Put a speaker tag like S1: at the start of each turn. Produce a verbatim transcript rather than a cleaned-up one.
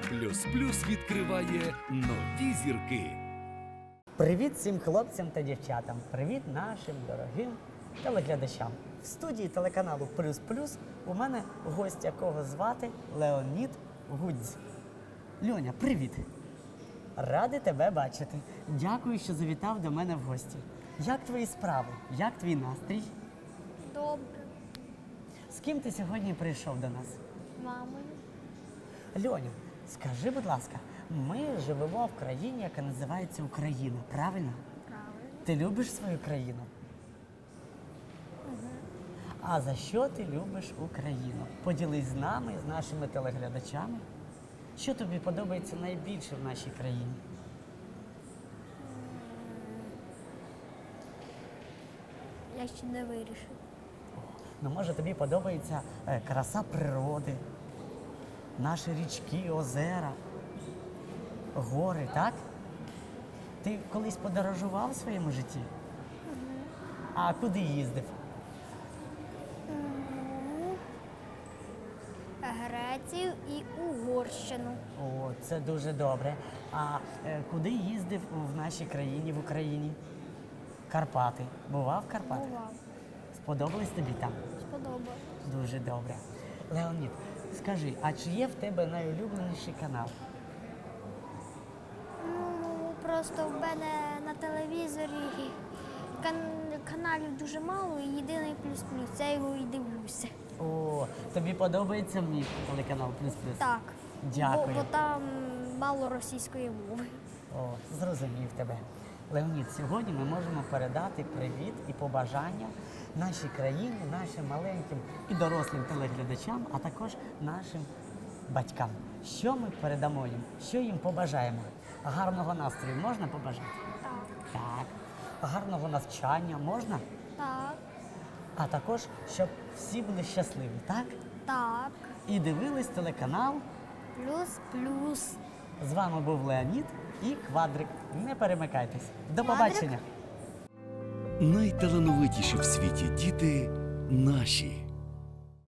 S1: Плюс Плюс відкриває нові зірки.
S2: Привіт всім хлопцям та дівчатам. Привіт нашим дорогим телеглядачам. В студії телеканалу Плюс Плюс у мене гость, якого звати Леонід Гудзь. Льоня, привіт! Радий тебе бачити. Дякую, що завітав до мене в гості. Як твої справи? Як твій настрій?
S3: Добре.
S2: З ким ти сьогодні прийшов до нас?
S3: Мамою.
S2: Льоня, скажи, будь ласка, ми живемо в країні, яка називається Україна, правильно?
S3: Правильно.
S2: Ти любиш свою країну?
S3: Угу.
S2: А за що ти любиш Україну? Поділись з нами, з нашими телеглядачами. Що тобі подобається найбільше в нашій країні?
S3: Я ще не вирішив.
S2: Ну, може, тобі подобається е, краса природи, наші річки, озера, гори, так? Ти колись подорожував в своєму житті?
S3: Угу.
S2: А куди їздив?
S3: Грецію і Угорщину.
S2: О, це дуже добре. А е, куди їздив в нашій країні, в Україні? Карпати. Бував в Карпатах?
S3: Бував.
S2: Сподобались тобі там?
S3: Сподобалось.
S2: Дуже добре. Леонід, скажи, а чи є в тебе найулюбленіший канал?
S3: Ну, просто в мене на телевізорі кан- каналів дуже мало, і єдиний плюс-плюс. Я його і дивлюся.
S2: О, тобі подобається мій телеканал Плюс Плюс?
S3: Так.
S2: Дякую.
S3: Бо, бо там мало російської мови.
S2: О, зрозумів тебе. Леонід, сьогодні ми можемо передати привіт і побажання нашій країні, нашим маленьким і дорослим телеглядачам, а також нашим батькам. Що ми передамо їм? Що їм побажаємо? Гарного настрою можна побажати?
S3: Так.
S2: Так. Гарного навчання можна?
S3: Так.
S2: А також, щоб всі були щасливі, так?
S3: Так.
S2: І дивились телеканал.
S3: Плюс-плюс.
S2: З вами був Леонід і Квадрик. Не перемикайтесь. До
S3: Квадрик?
S2: побачення.
S1: Найталановитіші в світі діти наші.